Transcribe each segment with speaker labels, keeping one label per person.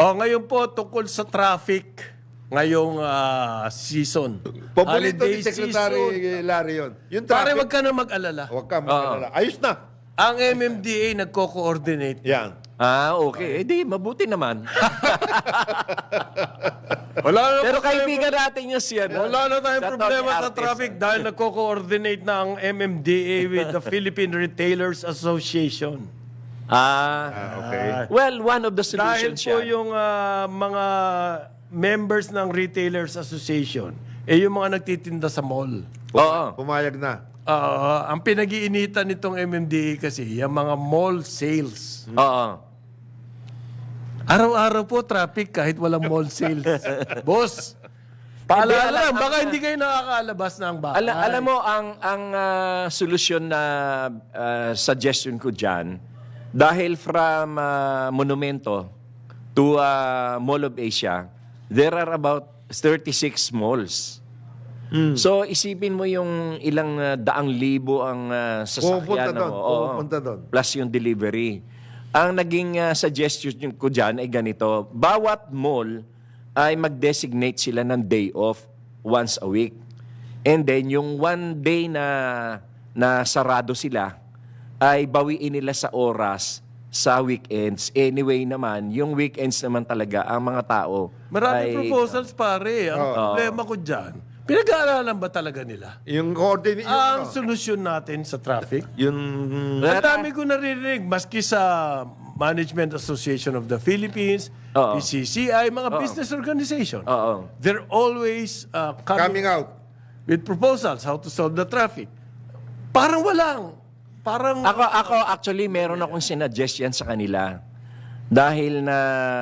Speaker 1: Ngayon po tungkol sa traffic ngayong season.
Speaker 2: Paborito
Speaker 1: Holiday
Speaker 2: ni Secretary
Speaker 1: season.
Speaker 2: Larry yun. Yung
Speaker 1: Pare,
Speaker 2: traffic,
Speaker 1: wag ka na mag-alala.
Speaker 2: huwag ka mag-alala. Ayos na.
Speaker 1: Ang MMDA nagko-coordinate.
Speaker 2: Yan.
Speaker 3: Okay. Di, mabuti naman.
Speaker 1: Wala na
Speaker 3: Pero
Speaker 1: problema.
Speaker 3: kaibigan natin yung siya.
Speaker 1: Wala na tayong problema sa traffic dahil nagko-coordinate na ang MMDA with the Philippine Retailers Association.
Speaker 2: Okay.
Speaker 3: Well, one of the
Speaker 1: Dahil
Speaker 3: solutions
Speaker 1: po
Speaker 3: yan.
Speaker 1: yung mga members ng Retailers Association, yung mga nagtitinda sa mall.
Speaker 3: Oo.
Speaker 2: Pumayag na.
Speaker 1: Ang pinag-iinitan nitong MMDA kasi, yung mga mall sales.
Speaker 3: Oo.
Speaker 1: Araw-araw po traffic kahit walang mall sales. Boss, paalala lang, baka hindi kayo nakakalabas ng bahay.
Speaker 3: Alam mo, ang solusyon na suggestion ko dyan, dahil from Monumento to Mall of Asia, there are about 36 malls. So, isipin mo yung ilang daang libo ang sasakyan.
Speaker 2: Pupunta doon.
Speaker 3: Plus yung delivery. Ang naging suggestion ko dyan ay ganito. Bawat mall ay mag-designate sila ng day off once a week. And then, yung one day na sarado sila, ay bawiin nila sa oras sa weekends. Anyway naman, yung weekends naman talaga, ang mga tao
Speaker 1: Maraming proposals pare. Ang problema ko dyan, pinag-aaralan ba talaga nila?
Speaker 2: Yung coordinate.
Speaker 1: Ang solusyon natin sa traffic,
Speaker 2: Yung
Speaker 1: ang dami ko naririnig, maski sa Management Association of the Philippines,
Speaker 3: Oo.
Speaker 1: PCCI, mga business organization.
Speaker 3: Oo.
Speaker 1: They're always
Speaker 2: coming out.
Speaker 1: with proposals how to solve the traffic. Parang walang. Parang
Speaker 3: Ako actually meron akong sinuggest yan sa kanila. Dahil na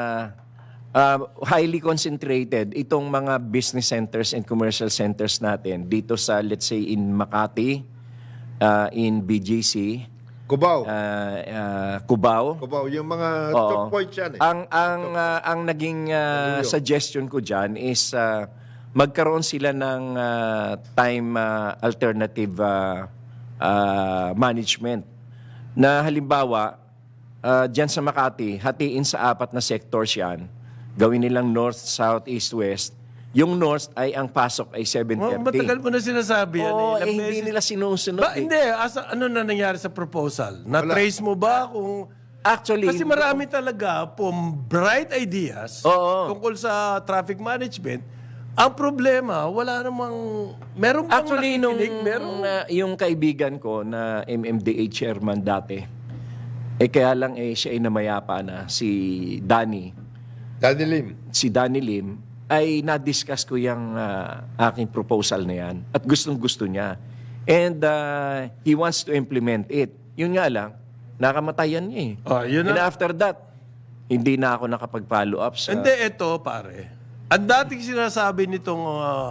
Speaker 3: highly concentrated itong mga business centers and commercial centers natin dito sa, let's say, in Makati, in BGC,
Speaker 2: Cubao.
Speaker 3: Cubao.
Speaker 2: Cubao. Yung mga
Speaker 3: Oo.
Speaker 2: choke points yan eh.
Speaker 3: Ang naging suggestion ko dyan is magkaroon sila ng time alternative management. Na halimbawa, dyan sa Makati, hatiin sa 4 na sectors yan. Gawin nilang north, south, east, west. Yung north ay ang pasok ay 7:30.
Speaker 1: matagal mo na sinasabi yan.
Speaker 3: Oo,
Speaker 1: Ilang
Speaker 3: hindi
Speaker 1: beses.
Speaker 3: nila sinusunod.
Speaker 1: Ba, hindi. Ano na nangyari sa proposal? Na-trace mo ba kung...
Speaker 3: Actually,
Speaker 1: Kasi marami talaga pong bright ideas
Speaker 3: Oo.
Speaker 1: tungkol sa traffic management. Ang problema, wala namang... Meron bang
Speaker 3: actually, nung
Speaker 1: nakikinig? Meron.
Speaker 3: yung kaibigan ko na MMDA chairman dati, kaya lang siya ay namayapa na, si Danny.
Speaker 2: Danny Lim.
Speaker 3: Si Danny Lim, ay na-discuss ko yung aking proposal na yan. At gustong-gusto niya. And he wants to implement it. Yun nga lang, nakamatayan niya eh.
Speaker 1: Yun
Speaker 3: And
Speaker 1: na.
Speaker 3: after that, hindi na ako nakapag-follow up sa...
Speaker 1: Hindi, ito pare. Ang dating sinasabi nitong,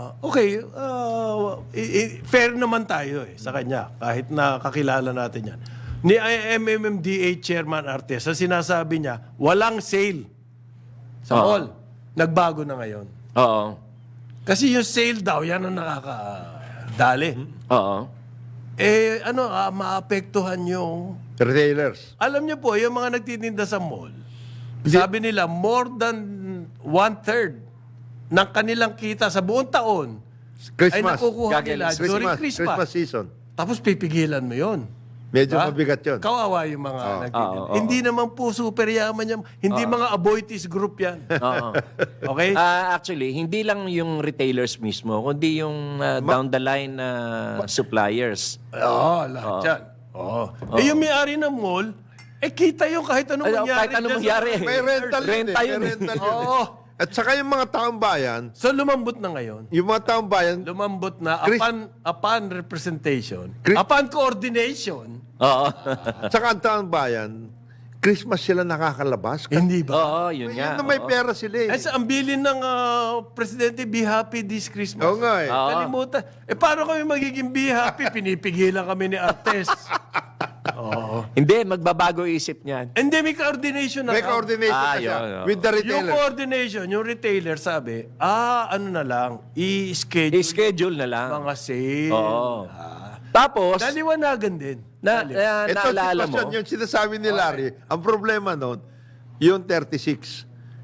Speaker 1: fair naman tayo sa kanya. Kahit na kakilala natin yan. Ni MMDA Chairman Artes, ang sinasabi niya, walang sale sa mall. Nagbago na ngayon.
Speaker 3: Oo.
Speaker 1: Kasi yung sale daw, yan ang nakakadali.
Speaker 3: Oo.
Speaker 1: Maapektuhan yung...
Speaker 2: Retailers.
Speaker 1: Alam niyo po, yung mga nagtitinda sa mall, sabi nila, more than 1/3 ng kanilang kita sa buong taon ay
Speaker 2: Christmas.
Speaker 1: nakukuha nila during Christmas.
Speaker 2: Christmas season.
Speaker 1: Tapos pipigilan mo yon.
Speaker 2: Medyo mabigat yun.
Speaker 1: Kawawa yung mga nagtitinda. Hindi naman po super yaman yan. Hindi mga aboitis group yan.
Speaker 3: Oo.
Speaker 1: Okay?
Speaker 3: Actually, hindi lang yung retailers mismo, kundi yung down the line suppliers.
Speaker 1: Oo, lahat yan. Oo. Yung may-ari ng mall, kita yung kahit anong mangyari.
Speaker 3: Kahit anong
Speaker 1: dyan
Speaker 3: mangyari.
Speaker 1: sa-
Speaker 2: May rental yun
Speaker 3: Renta
Speaker 2: eh.
Speaker 3: yun
Speaker 2: May
Speaker 3: eh.
Speaker 2: rental yun eh.
Speaker 1: Oo.
Speaker 2: At saka yung mga taong bayan,
Speaker 1: So lumambot na ngayon.
Speaker 2: yung mga taong bayan,
Speaker 1: Lumambot na upon representation,
Speaker 2: Chris-
Speaker 1: upon coordination,
Speaker 3: Oo.
Speaker 2: saka ang taong bayan, Christmas sila nakakalabas.
Speaker 1: hindi ba?
Speaker 3: Oo, yun
Speaker 2: Yun
Speaker 3: nga.
Speaker 2: na may pera sila eh.
Speaker 1: Sa ang bilin ng Presidente, be happy this Christmas.
Speaker 2: Oo nga eh.
Speaker 1: Kalimutan. Paano kami magiging be happy? Pinipigilan kami ni Artes. Oo.
Speaker 3: Hindi, magbabago isip niyan.
Speaker 1: And then may coordination na.
Speaker 2: May coordination na siya
Speaker 3: yun.
Speaker 2: with the
Speaker 1: Yung
Speaker 2: retailer.
Speaker 1: coordination, yung retailer sabi, ano na lang, i-schedule
Speaker 3: I-schedule na lang.
Speaker 1: mga sale.
Speaker 3: Oo. Tapos,
Speaker 1: Naliwanagan din.
Speaker 2: Ito
Speaker 3: naalala mo,
Speaker 2: sitwasyon, yung sinasabi ni Larry, ang problema noon, yung 36.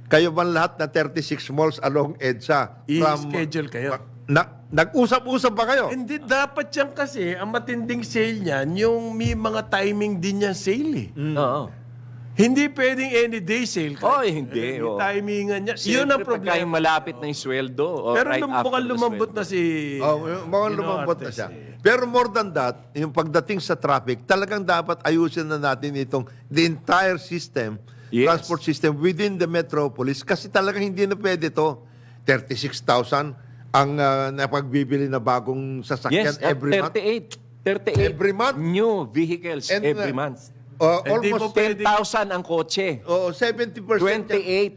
Speaker 2: kayo ba lahat na 36 malls along EDSA?
Speaker 1: I-schedule kayo.
Speaker 2: Nag-usap-usap ba kayo?
Speaker 1: Hindi, dapat yan kasi, ang matinding sale niyan, yung may mga timing din yan sale eh.
Speaker 3: Oo.
Speaker 1: Hindi pwedeng any day sale.
Speaker 3: Hindi.
Speaker 1: May timingan niya. Yun
Speaker 3: Siyempre,
Speaker 1: ang
Speaker 3: pagka
Speaker 1: problema.
Speaker 3: yung malapit na yung sweldo. O
Speaker 1: Pero
Speaker 3: right after
Speaker 1: mukhang
Speaker 3: the
Speaker 1: lumambot
Speaker 3: sweldo.
Speaker 1: na si...
Speaker 2: Mukhang
Speaker 1: Ginoong
Speaker 2: lumambot na
Speaker 1: Artes
Speaker 2: siya.
Speaker 1: eh.
Speaker 2: Pero more than that, yung pagdating sa traffic, talagang dapat ayusin na natin itong the entire system,
Speaker 3: Yes.
Speaker 2: transport system within the metropolis kasi talagang hindi na pwede to. 36,000 ang napagbibili na bagong sasakyan
Speaker 3: Yes,
Speaker 2: every month.
Speaker 3: 38
Speaker 2: Every month?
Speaker 3: new vehicles
Speaker 2: And,
Speaker 3: every month.
Speaker 1: Hindi po
Speaker 2: Almost
Speaker 1: pwede.
Speaker 3: 10,000 ang kotse.
Speaker 2: 70% yan.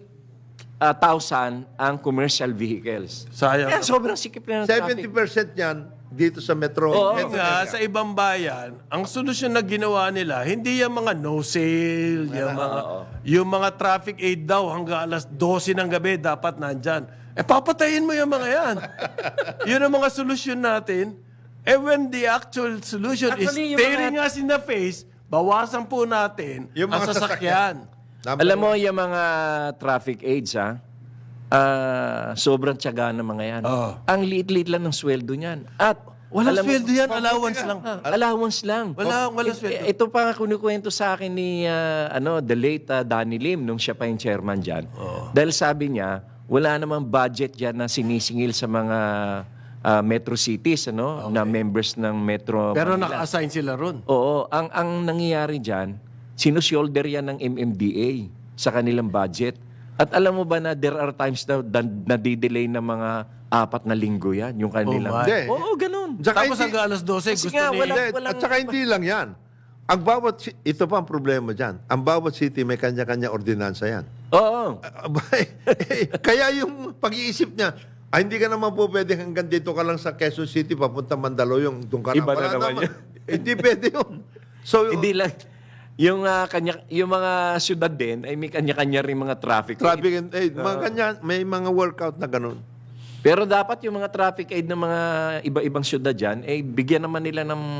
Speaker 3: 28,000 ang commercial vehicles.
Speaker 1: Sayang.
Speaker 3: Kaya sobrang sikip na ng traffic.
Speaker 2: 70% yan dito sa metro.
Speaker 3: Oo.
Speaker 2: metro
Speaker 1: Nga,
Speaker 2: area.
Speaker 1: sa ibang bayan, ang solusyon na ginawa nila, hindi yung mga no sale, yung mga traffic aid daw hanggang alas 12 ng gabi dapat nandyan. Papatayin mo yung mga yan. Yun ang mga solusyon natin. When the actual solution
Speaker 3: Actually,
Speaker 1: is
Speaker 3: yung
Speaker 1: staring us in the face, bawasan po natin
Speaker 2: Yung
Speaker 1: ang
Speaker 2: mga
Speaker 1: sasakyan.
Speaker 2: Number
Speaker 3: Alam mo,
Speaker 2: one.
Speaker 3: yung mga traffic aids, sobrang tiyaga ng mga yan.
Speaker 1: Oo.
Speaker 3: Ang liit-liit lang ng sweldo niyan. At
Speaker 1: Walang
Speaker 3: alam mo-
Speaker 1: sweldo yan, allowance lang.
Speaker 3: Allowance lang.
Speaker 1: Walang sweldo.
Speaker 3: Ito pa nga kunikwento sa akin ni the late Danny Lim nung siya pa yung chairman dyan. Dahil sabi niya, wala namang budget dyan na sinisingil sa mga metro cities na members ng Metro
Speaker 1: Pero
Speaker 3: Manila.
Speaker 1: naka-assign sila ron.
Speaker 3: Oo, ang nangyayari dyan, sinushoulder yan ng MMDA sa kanilang budget. At alam mo ba na there are times na nadidelay ng mga 4 na linggo yan, yung kanilang...
Speaker 1: Oh my.
Speaker 2: Hindi.
Speaker 3: Oo, ganun.
Speaker 2: Tsaka
Speaker 1: Tapos
Speaker 2: hindi-
Speaker 1: hanggang alas 12,
Speaker 3: Kasi
Speaker 1: gusto
Speaker 3: nga,
Speaker 1: ni...
Speaker 3: wala-
Speaker 2: Hindi, at saka hindi lang yan. Ang bawat, ito pa ang problema dyan. Ang bawat city may kanya-kanya ordinansa yan.
Speaker 3: Oo.
Speaker 2: Kaya yung pag-iisip niya, hindi ka naman po pwede hanggang dito ka lang sa Quezon City, papunta Mandaluyong, doon ka
Speaker 3: Iba na
Speaker 2: Wala
Speaker 3: naman yun.
Speaker 2: Hindi pwede yun. So,
Speaker 3: Hindi lang. Yung mga syudad din ay may kanya-kanya rin mga traffic.
Speaker 2: traffic and aid, mga kanya, may mga workout na ganun.
Speaker 3: Pero dapat yung mga traffic aid ng mga iba-ibang syudad dyan, bigyan naman nila ng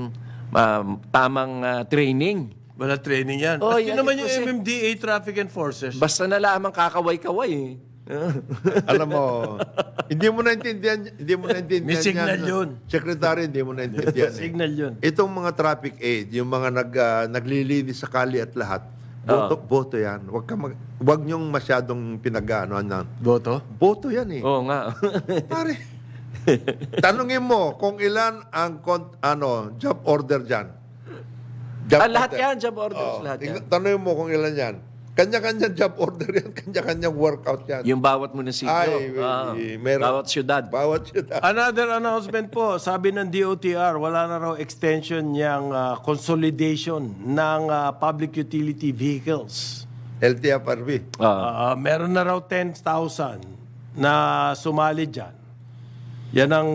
Speaker 3: tamang training.
Speaker 1: Wala training yan.
Speaker 3: Oh,
Speaker 1: Kasi
Speaker 3: yan
Speaker 1: naman
Speaker 3: ito
Speaker 1: yung
Speaker 3: kasi-
Speaker 1: MMDA Traffic Enforcers.
Speaker 3: Basta na lamang kakaway-kaway.
Speaker 2: Alam mo, hindi mo naintindihan
Speaker 1: May signal yun.
Speaker 2: Secretary, hindi mo naintindihan.
Speaker 1: Signal yun.
Speaker 2: Itong mga traffic aid, yung mga naglilinis sa kali at lahat, boto yan. Wag niyong masyadong pinag-ano.
Speaker 1: Boto?
Speaker 2: Boto yan eh.
Speaker 3: Oo nga.
Speaker 2: Pare, tanungin mo kung ilan ang job order dyan.
Speaker 3: Lahat yan, job orders, lahat yan.
Speaker 2: Tanungin mo kung ilan yan. Kanya-kanyang job order yan, kanya-kanyang workout yan.
Speaker 3: Yung bawat munisipyo.
Speaker 2: Meron.
Speaker 3: Bawat syudad.
Speaker 2: Bawat syudad.
Speaker 1: Another announcement po, sabi ng DOTR, wala na raw extension yung consolidation ng public utility vehicles.
Speaker 2: LTFRB.
Speaker 1: Meron na raw 10,000 na sumali dyan. Yan ang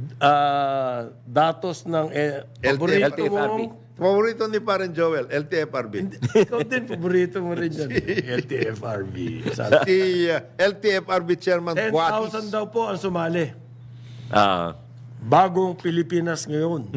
Speaker 1: datos ng paborito
Speaker 3: LTFRB.
Speaker 1: mong...
Speaker 2: Paborito ni Paren Joel, LTFRB.
Speaker 1: Ikaw din, paborito mo rin yan. LTFRB.
Speaker 2: Si LTFRB Chairman
Speaker 1: 10,000
Speaker 2: Guatis.
Speaker 1: daw po ang sumali.
Speaker 3: Ah.
Speaker 1: Bagong Pilipinas ngayon.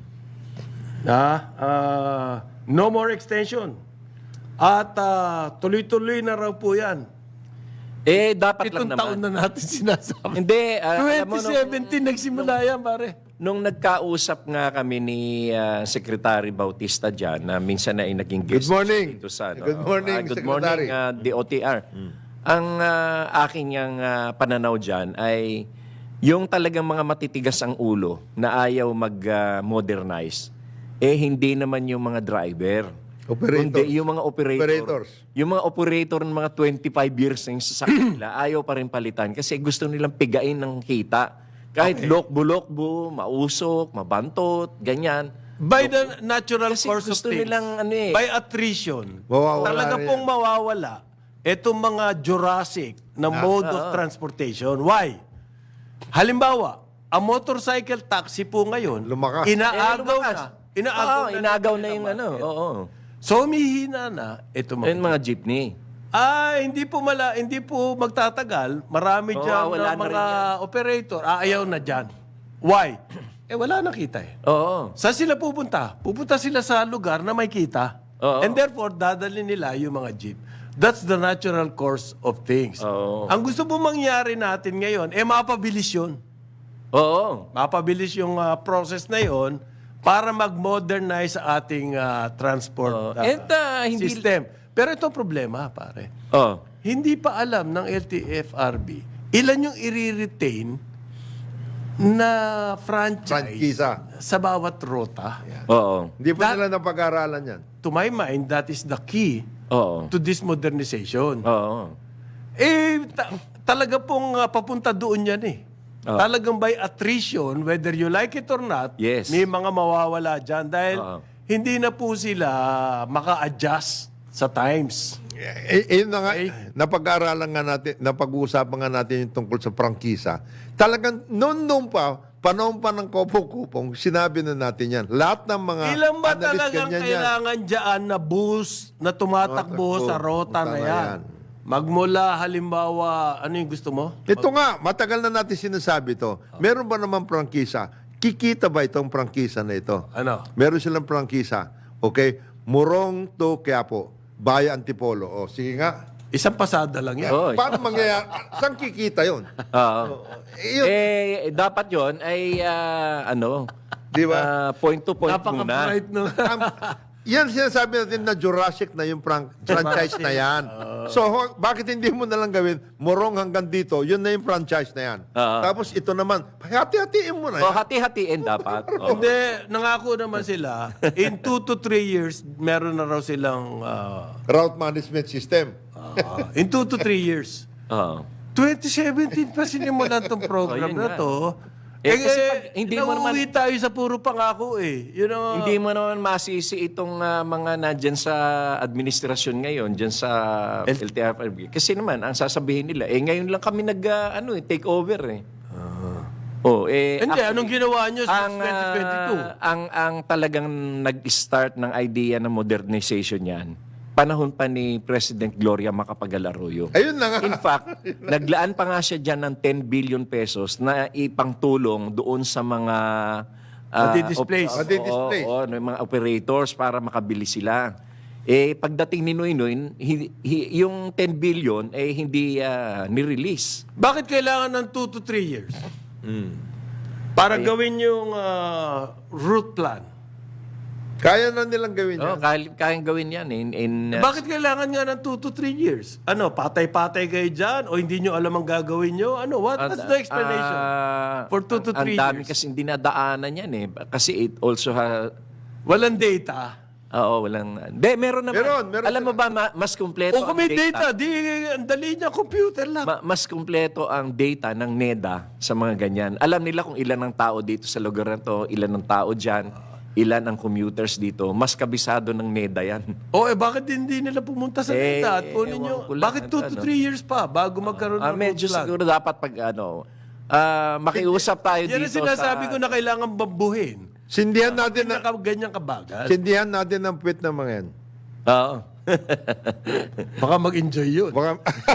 Speaker 1: No more extension. At tuloy-tuloy na raw po yan.
Speaker 3: Dapat
Speaker 1: Itong
Speaker 3: lang
Speaker 1: taon
Speaker 3: naman.
Speaker 1: na natin sinasabi.
Speaker 3: Hindi, alam mo,
Speaker 1: 2017 nagsimula yan, pare.
Speaker 3: nung nagkausap nga kami ni Secretary Bautista dyan, na minsan na ay naging guest
Speaker 2: Good morning.
Speaker 3: dito sa...
Speaker 2: Good morning,
Speaker 3: good
Speaker 2: Secretary.
Speaker 3: morning, DOTR. Ang aking yung pananaw dyan ay yung talagang mga matitigas ang ulo na ayaw mag-modernize, hindi naman yung mga driver.
Speaker 2: Operators.
Speaker 3: Kundi yung mga
Speaker 2: Operators.
Speaker 3: Yung mga operator ng mga 25 years na yung sasakyan nila, ayaw pa rin palitan kasi gusto nilang pigain ng kita. Kahit lokbo-lokbo, mausok, mabantot, ganyan.
Speaker 1: By the natural
Speaker 3: Kasi
Speaker 1: course of
Speaker 3: gusto
Speaker 1: things,
Speaker 3: nilang
Speaker 1: by attrition,
Speaker 2: Mawawala
Speaker 1: talaga
Speaker 2: rin
Speaker 1: pong mawawala itong mga Jurassic na mode of transportation. Why? Halimbawa, ang motorcycle taxi po ngayon,
Speaker 2: Lumakas.
Speaker 1: inaagaw
Speaker 3: lumakas.
Speaker 1: na. Inaagaw na.
Speaker 3: Inagaw na yung ano. Oo.
Speaker 1: So, humihina na ito mga.
Speaker 3: Yung mga jeepney.
Speaker 1: Hindi po magtatagal. Marami dyan
Speaker 3: wala
Speaker 1: na
Speaker 3: na
Speaker 1: mga
Speaker 3: rin
Speaker 1: operator. Ayaw na dyan. Why? Wala na kita eh.
Speaker 3: Oo.
Speaker 1: Saan sila pupunta? Pupunta sila sa lugar na may kita.
Speaker 3: Oo.
Speaker 1: And therefore, dadalhin nila yung mga jeep. That's the natural course of things.
Speaker 3: Oo.
Speaker 1: Ang gusto po mangyari natin ngayon, mapabilis yun.
Speaker 3: Oo.
Speaker 1: Mapabilis yung process na yon para mag-modernize sa ating transport
Speaker 3: Hindi...
Speaker 1: system. Pero ito ang problema, pare.
Speaker 3: Oh.
Speaker 1: Hindi pa alam ng LTFRB ilan yung i-retain na franchise
Speaker 2: Frankisa.
Speaker 1: sa bawat rota.
Speaker 3: Oo.
Speaker 2: Hindi pa nila napag-aralan yan.
Speaker 1: To my mind, that is the key
Speaker 3: Oo.
Speaker 1: to this modernization.
Speaker 3: Oo.
Speaker 1: Talaga pong papunta doon yan eh. Talagang by attrition, whether you like it or not,
Speaker 3: Yes.
Speaker 1: may mga mawawala dyan dahil hindi na po sila maka-adjust sa times.
Speaker 2: Yun na nga, napag-aaralan nga natin, napag-uusapan nga natin yung tungkol sa prangkisa. Talagang noon pa, panahon pa ng kopong-kupong, sinabi na natin yan. Lahat ng mga
Speaker 1: Ilan ba
Speaker 2: analyst,
Speaker 1: talagang
Speaker 2: ganyan yan.
Speaker 1: kailangan dyan na bus na tumatakbo sa rota na yan? Magmula, halimbawa, ano yung gusto mo?
Speaker 2: Ito nga, matagal na natin sinasabi to. Meron ba naman prangkisa? Kikita ba itong prangkisa na ito?
Speaker 1: Ano?
Speaker 2: Meron silang prangkisa. Okay? Murong to Quiapo. Baya Antipolo. O, sige nga.
Speaker 1: Isang pasada lang yan.
Speaker 3: Oo.
Speaker 2: Paano mangyayari? Saan kikita yun?
Speaker 3: Oo.
Speaker 2: Yun,
Speaker 3: Dapat yon ay
Speaker 2: di ba?
Speaker 3: point to point muna.
Speaker 1: Napaka-bright no.
Speaker 2: Yan sinasabi natin na Jurassic na yung franchise na yan. So, bakit hindi mo na lang gawin, Morong hanggang dito, yun na yung franchise na yan. Tapos ito naman, hati-hatiin mo na
Speaker 3: O
Speaker 2: yan.
Speaker 3: hati-hatiin dapat. Oo.
Speaker 1: Hindi, nangako naman sila, in 2 to 3 years, meron na raw silang,
Speaker 2: Route management system.
Speaker 1: in 2 to 3 years.
Speaker 3: Oo.
Speaker 1: 2017 pa sinimulan tong program
Speaker 3: yun
Speaker 1: na
Speaker 3: nga.
Speaker 1: to.
Speaker 3: Kasi pag hindi mo naman-
Speaker 1: nauuwi tayo sa puro pangako eh. Yun ang,
Speaker 3: Hindi mo naman masisi itong mga nandyan sa administrasyon ngayon, dyan sa LTFRB. Kasi naman, ang sasabihin nila, ngayon lang kami take over eh.
Speaker 1: Hindi, anong ginawa nyo sa
Speaker 3: ang
Speaker 1: 2022?
Speaker 3: ang talagang nag-start ng idea ng modernization yan, panahon pa ni President Gloria Macapagal Arroyo.
Speaker 2: Ayun na nga.
Speaker 3: In fact, naglaan pa nga siya dyan ng 10 billion pesos na ipangtulong doon sa mga
Speaker 1: Madi-displace.
Speaker 2: Madi-displace.
Speaker 3: ng mga operators para makabili sila. Pagdating ni Noynoy, yung 10 billion hindi ni-release.
Speaker 1: Bakit kailangan ng 2 to 3 years? Para gawin yung route plan.
Speaker 2: Kaya na nilang gawin yan.
Speaker 3: Kayang gawin yan.
Speaker 1: Bakit kailangan nga ng 2 to 3 years? Ano, patay-patay kayo dyan? O hindi nyo alam ang gagawin nyo? Ano, what's the explanation? For 2 to 3
Speaker 3: Ang dami
Speaker 1: years.
Speaker 3: kasi dinadaanan yan eh. Kasi it also
Speaker 1: Walang data.
Speaker 3: Oo, walang... meron naman.
Speaker 2: Meron
Speaker 3: Alam mo ba, mas kumpleto
Speaker 1: O kung may data, di ang dali niya, computer lang.
Speaker 3: mas kumpleto ang data ng NEDA sa mga ganyan. Alam nila kung ilan ang tao dito sa lugar na to, ilan ang tao dyan, ilan ang commuters dito. Mas kabisado ng NEDA yan.
Speaker 1: Bakit hindi nila pumunta sa data at kunin
Speaker 3: ewan
Speaker 1: nyo?
Speaker 3: ko lang,
Speaker 1: Bakit 2 to 3 years pa bago magkaroon ng
Speaker 3: Medyo
Speaker 1: route plan?
Speaker 3: siguro dapat pag makiusap tayo
Speaker 1: Yan
Speaker 3: dito
Speaker 1: ang sinasabi ko na kailangan bambuhin.
Speaker 2: Sindihan natin na
Speaker 1: Ganyan kabagal.
Speaker 2: sindihan natin ang puwit ng mga yan.
Speaker 3: Oo.
Speaker 1: Baka mag-enjoy yun.
Speaker 2: Baka,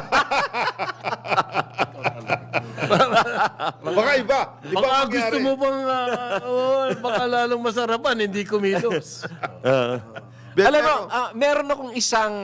Speaker 2: baka iba. Iba
Speaker 1: Baka
Speaker 2: ang
Speaker 1: gusto
Speaker 2: mangyari.
Speaker 1: mo bang, baka lalong masarapan, hindi kumilos.
Speaker 3: Alam mo, meron akong isang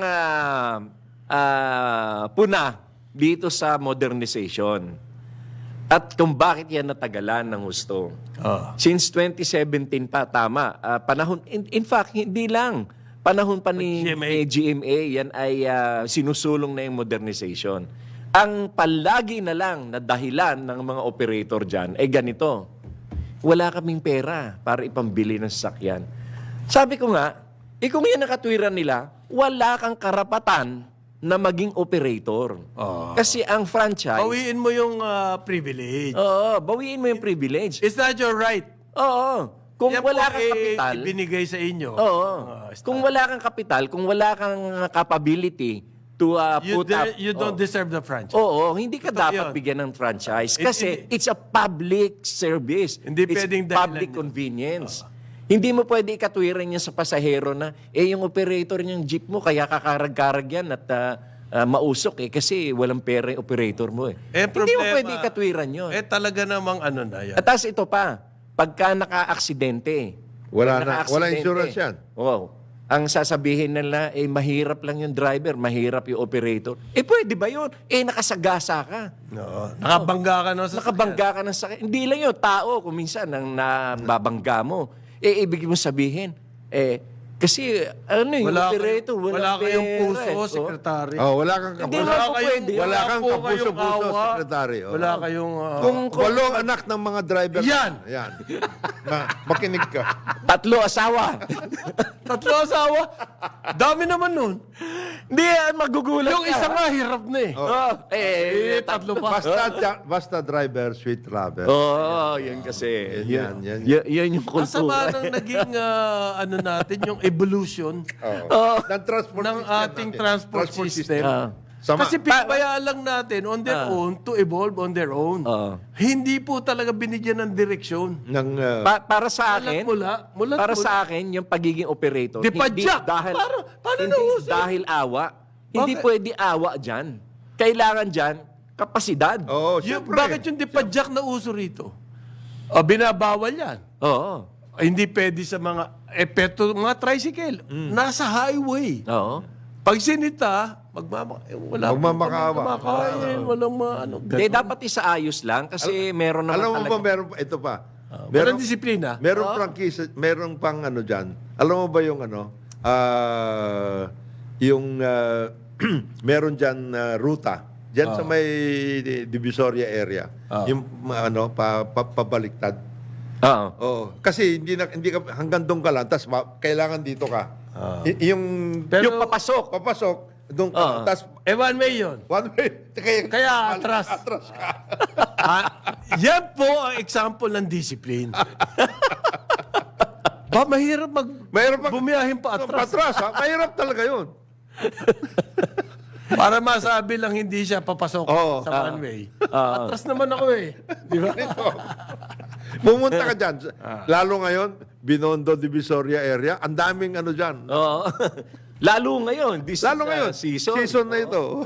Speaker 3: puna dito sa modernization. At kung bakit yan natagalan ng gusto. Since 2017 pa, tama. Panahon, in fact, hindi lang. Panahon pa ni GMA, yan ay sinusulong na yung modernization. Ang palagi na lang na dahilan ng mga operator dyan ay ganito. Wala kaming pera para ipambili ng sasakyan. Sabi ko nga, kung yan nakatwiran nila, wala kang karapatan na maging operator. Kasi ang franchise...
Speaker 1: Bawiin mo yung privilege.
Speaker 3: Oo, bawiin mo yung privilege.
Speaker 1: It's not your right.
Speaker 3: Oo. Kung
Speaker 1: Yan
Speaker 3: wala
Speaker 1: po,
Speaker 3: kang kapital...
Speaker 1: ibinigay sa inyo.
Speaker 3: Oo. Kung wala kang kapital, kung wala kang capability to put up...
Speaker 1: You don't deserve the franchise.
Speaker 3: Oo, hindi ka
Speaker 1: Totoo
Speaker 3: dapat
Speaker 1: yun.
Speaker 3: bigyan ng franchise. Kasi it's a public service.
Speaker 1: Hindi
Speaker 3: it's
Speaker 1: pwedeng dahilan
Speaker 3: public
Speaker 1: yun.
Speaker 3: convenience. Hindi mo pwede ikatwiran yan sa pasahero na, yung operator niyang jeep mo, kaya kakarag-karag yan at mausok kasi walang pera yung operator mo eh. Hindi mo pwede ikatwiran yun.
Speaker 1: Talaga namang ano na yan.
Speaker 3: At tas ito pa, pagka naka-aksidente.
Speaker 2: Wala na. Wala insurance yan.
Speaker 3: Wow. ang sasabihin nila, mahirap lang yung driver, mahirap yung operator. Pwede ba yun? Nakasagasa ka.
Speaker 1: No, nakabangga ka no sa
Speaker 3: Nakabangga ka ng sakit. Hindi lang yun, tao, kung minsan, ang nababangga mo. Ibig mo sabihin, kasi, yung operator,
Speaker 1: wala kayong
Speaker 3: pera,
Speaker 1: puso, sekretary.
Speaker 2: Wala kang
Speaker 3: Hindi
Speaker 2: kapuso.
Speaker 3: naman po pwede.
Speaker 2: Wala kang
Speaker 1: po
Speaker 2: kapuso-puso,
Speaker 1: kayong awa.
Speaker 2: sekretary.
Speaker 1: Wala kayong...
Speaker 2: Kung 8 anak ng mga driver.
Speaker 1: Yan!
Speaker 2: Yan. Makinig ka.
Speaker 3: 3 asawa.
Speaker 1: 3 asawa. Dami naman nun.
Speaker 3: Hindi, magugulat
Speaker 1: Yung
Speaker 3: ka.
Speaker 1: isa nga, hirap na eh.
Speaker 3: 3 pa.
Speaker 2: Basta driver, sweet lover.
Speaker 3: Yan kasi.
Speaker 2: Yan.
Speaker 3: Yan yung
Speaker 1: Ang sama
Speaker 3: kultura.
Speaker 1: ng naging natin, yung evolution
Speaker 2: Ng transport
Speaker 1: ng
Speaker 2: system
Speaker 1: ating
Speaker 2: natin.
Speaker 1: transport system.
Speaker 2: Sama.
Speaker 1: Kasi pinabayaan lang natin on their own to evolve on their own. Hindi po talaga binigyan ng direksyon.
Speaker 2: ng
Speaker 3: Para sa akin,
Speaker 1: Mulat
Speaker 3: para sa akin, yung pagiging operator,
Speaker 1: Di pa
Speaker 3: hindi
Speaker 1: jack.
Speaker 3: dahil,
Speaker 1: Paano
Speaker 3: hindi
Speaker 1: nauso?
Speaker 3: dahil awa. Hindi
Speaker 1: Bakit?
Speaker 3: pwede awa dyan. Kailangan dyan, kapasidad.
Speaker 2: Oo,
Speaker 1: Yung,
Speaker 2: syempre.
Speaker 1: bakit yung dipadjak na uso rito? Binabawal yan.
Speaker 3: Oo.
Speaker 1: Hindi pwede sa mga mga tricycle. Nasa highway.
Speaker 3: Oo.
Speaker 1: Pag sinita, wala
Speaker 2: Magmamakaawa.
Speaker 1: kumakain, walang
Speaker 3: Hindi, dapat isaayos lang kasi meron naman
Speaker 2: Alam mo
Speaker 3: talaga.
Speaker 2: ba, meron pa, ito pa.
Speaker 1: Walang disiplina.
Speaker 2: Merong prangkisa, merong pang dyan. Alam mo ba yung meron dyan ruta. Dyan sa may Divisoria area. Yung pabaliktad.
Speaker 3: Oo.
Speaker 2: Oo. Kasi hindi ka hanggang doon ka lang, tapos kailangan dito ka. Yung
Speaker 3: Papasok.
Speaker 2: doon ka. Tapos
Speaker 1: One way yun.
Speaker 2: one way.
Speaker 1: Kaya atras.
Speaker 2: Atras ka.
Speaker 1: Yan po ang example ng discipline. Mahirap
Speaker 2: Mahirap
Speaker 1: bumiyahin pa atras.
Speaker 2: Patras, ha? Mahirap talaga yun.
Speaker 1: Para masabi lang hindi siya papasok sa one way. Atras naman ako eh. Di ba?
Speaker 2: Pumunta ka dyan. Lalo ngayon, Binondo, Divisoria area, ang daming dyan.
Speaker 3: Oo. Lalo ngayon. This
Speaker 2: Lalo
Speaker 3: is,
Speaker 2: ngayon,
Speaker 3: season.
Speaker 2: season na ito.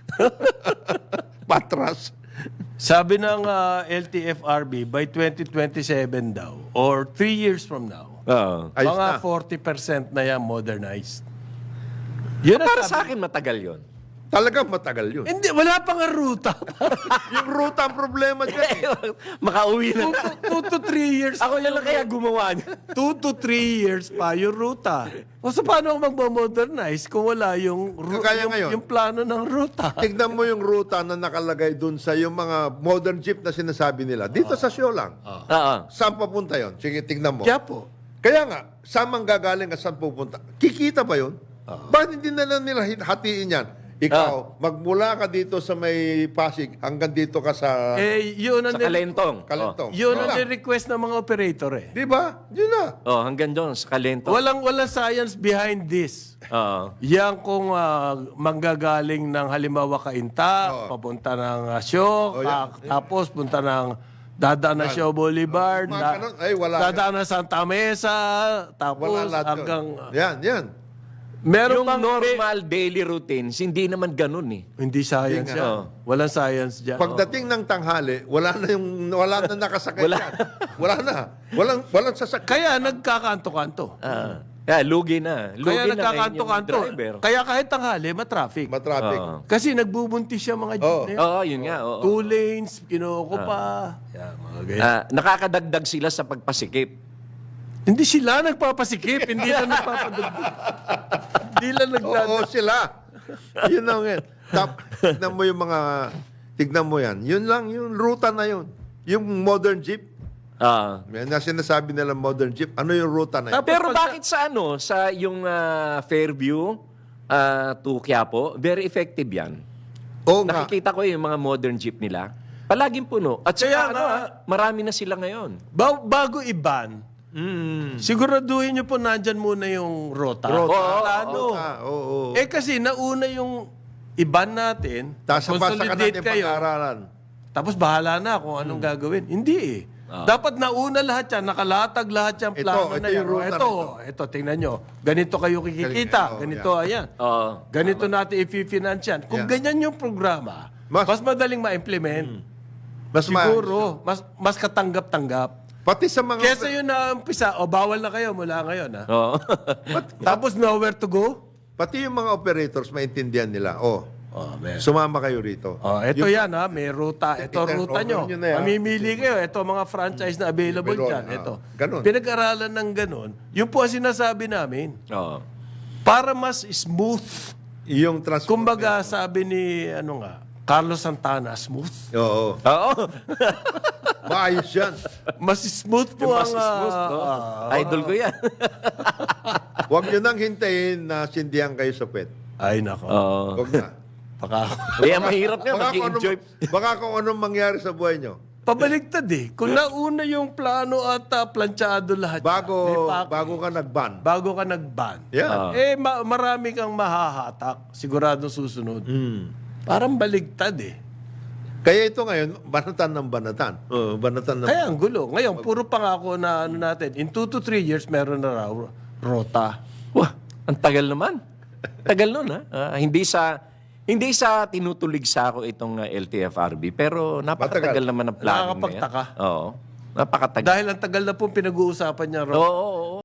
Speaker 2: Patras.
Speaker 1: Sabi ng LTFRB, by 2027 daw, or 3 years from now,
Speaker 3: Oo.
Speaker 2: Ayos
Speaker 1: mga
Speaker 2: na.
Speaker 1: 40% na yan modernized. Yun ang
Speaker 3: Para
Speaker 1: sabi-
Speaker 3: sa akin, matagal yon.
Speaker 2: Talagang matagal yun.
Speaker 1: Hindi, wala pa nga ruta.
Speaker 2: Yung ruta ang problema dyan.
Speaker 3: Makauwi na.
Speaker 1: 2 to 3 years.
Speaker 3: Ako na lang kaya gumawa niya.
Speaker 1: 2 to 3 years pa yung ruta. O so paano ako magmo-modernize kung wala yung,
Speaker 2: Kaya ngayon.
Speaker 1: yung plano ng ruta?
Speaker 2: Tignan mo yung ruta na nakalagay dun sa yung mga modern jeep na sinasabi nila. Dito sa show lang.
Speaker 3: Oo.
Speaker 2: Saan papunta yon? Sige, tignan mo.
Speaker 1: Kaya po.
Speaker 2: Kaya nga, saan mang gagaling at saan pupunta? Kikita ba yun? Bakit hindi na lang nila hatiin yan? Ikaw, magmula ka dito sa may Pasig hanggang dito ka sa
Speaker 1: Yun ang
Speaker 3: Sa Kalentong.
Speaker 2: Kalentong.
Speaker 1: yun ang
Speaker 2: Wala.
Speaker 1: request ng mga operator eh.
Speaker 2: Di ba? Yun na.
Speaker 3: Hanggang doon, sa Kalentong.
Speaker 1: Walang science behind this.
Speaker 3: Oo.
Speaker 1: Yan kung manggagaling ng halimbawa Kainta, papunta ng Syo, tapos punta ng dadaan na Syo Boulevard,
Speaker 2: Mga ganun. Ay, wala.
Speaker 1: dadaan na Santa Mesa, tapos
Speaker 2: Wala lahat
Speaker 1: hanggang...
Speaker 2: yun. Yan.
Speaker 1: Meron
Speaker 3: Yung
Speaker 1: bang
Speaker 3: normal daily routines, hindi naman ganun eh.
Speaker 1: Hindi science
Speaker 2: Hindi
Speaker 1: yan. Walang science dyan.
Speaker 2: Pagdating ng tanghali, wala na nakasakay
Speaker 3: Wala.
Speaker 2: dyan. Wala na. Walang sasakay.
Speaker 1: Kaya nagkakanto-kanto.
Speaker 3: Kaya lugi na. Lugi
Speaker 1: Kaya
Speaker 3: na ngayon yung
Speaker 1: nagkakanto-kanto.
Speaker 3: driver.
Speaker 1: Kaya kahit tanghali, matraffic.
Speaker 2: Matraffic.
Speaker 1: Kasi nagbubuntis siya mga jeep na yun.
Speaker 3: Oo, yun nga. Oo.
Speaker 1: 2 lanes, kinuko pa. Yan, mga ganyan.
Speaker 3: Nakakadagdag sila sa pagpasikip.
Speaker 1: Hindi sila nagpapasikip, hindi lang nagpapadagdag. Hindi lang nagdadagdag.
Speaker 2: Oo, sila. Yun lang yan. Tignan mo yung mga, tignan mo yan. Yun lang, yung ruta na yun. Yung modern jeep, yan na sinasabi nila modern jeep, ano yung ruta na yun?
Speaker 3: Pero bakit sa sa yung Fairview to Quiapo, very effective yan.
Speaker 2: Oo nga.
Speaker 3: Nakikita ko yung mga modern jeep nila. Palaging puno. At
Speaker 1: Kaya
Speaker 3: saka
Speaker 1: nga,
Speaker 3: marami na sila ngayon.
Speaker 1: Bago i-ban, siguraduhin nyo po nandyan muna yung rota. Plano.
Speaker 2: Oo.
Speaker 1: Kasi nauna yung i-ban natin,
Speaker 2: Tapos basa ka
Speaker 1: consolidate
Speaker 2: natin
Speaker 1: kayo,
Speaker 2: pag-aaralan.
Speaker 1: tapos bahala na kung anong gagawin. Hindi eh. Dapat nauna lahat yan, nakalatag lahat yung plano
Speaker 2: ito
Speaker 1: na yan.
Speaker 2: yung ruta
Speaker 1: Ito, tingnan nyo. Ganito kayo kikikita. Ganito, ayan. Ganito natin i-finance yan. Kung ganyan yung programa, mas madaling ma-implement.
Speaker 2: Mas
Speaker 1: Siguro, mas katanggap-tanggap.
Speaker 2: Pati sa mga...
Speaker 1: Kesa yun na umpisa, bawal na kayo mula ngayon. Ha?
Speaker 3: Oo.
Speaker 1: Tapos nowhere to go?
Speaker 2: Pati yung mga operators, maintindihan nila.
Speaker 1: Man.
Speaker 2: Sumama kayo rito.
Speaker 1: Ito yan ha, may ruta. Ito
Speaker 2: Turn
Speaker 1: ruta
Speaker 2: over
Speaker 1: nyo.
Speaker 2: nyo na yan.
Speaker 1: Mamimili kayo. Ito mga franchise na available
Speaker 2: Meron,
Speaker 1: dyan. Ito.
Speaker 2: ganun.
Speaker 1: Pinag-aralan ng ganun. Yun po ang sinasabi namin.
Speaker 3: Oo.
Speaker 1: Para mas smooth.
Speaker 2: Yung transport.
Speaker 1: Kumbaga sabi ni Carlos Santana, smooth.
Speaker 2: Oo.
Speaker 3: Oo.
Speaker 2: Maayos yan.
Speaker 1: Mas smooth po
Speaker 3: Mas
Speaker 1: ang...
Speaker 3: smooth, no? Idol ko yan.
Speaker 2: Huwag nyo nang hintayin na sindihan kayo sa pet.
Speaker 1: Ay, nako.
Speaker 3: Oo.
Speaker 2: Huwag na.
Speaker 3: Kaya mahirap nga,
Speaker 2: Baka kung,
Speaker 3: mag-enjoy.
Speaker 2: baka kung anong mangyari sa buhay nyo.
Speaker 1: Pabaligtad eh. Kung nauna yung plano at planchado lahat.
Speaker 2: Bago,
Speaker 1: yan,
Speaker 2: bago ka nag-ban.
Speaker 1: bago ka nag-ban.
Speaker 2: Yeah.
Speaker 1: Marami kang mahahatak. Sigurado susunod.
Speaker 2: Mm.
Speaker 1: Parang baligtad eh.
Speaker 2: Kaya ito ngayon, banatan ng banatan. Banatan ng...
Speaker 1: Kaya ang gulo. Ngayon, puro pangako na natin. In 2 to 3 years, meron na raw rota.
Speaker 3: Wah, ang tagal naman. Tagal nun, ha? Hindi sa tinutulig sa ako itong LTFRB, pero napakatagal naman ang plano na yan.
Speaker 1: Nakakapagtaka.
Speaker 3: Oo. Napakatagal.
Speaker 1: Dahil ang tagal na pong pinag-uusapan niya raw.
Speaker 3: Oo.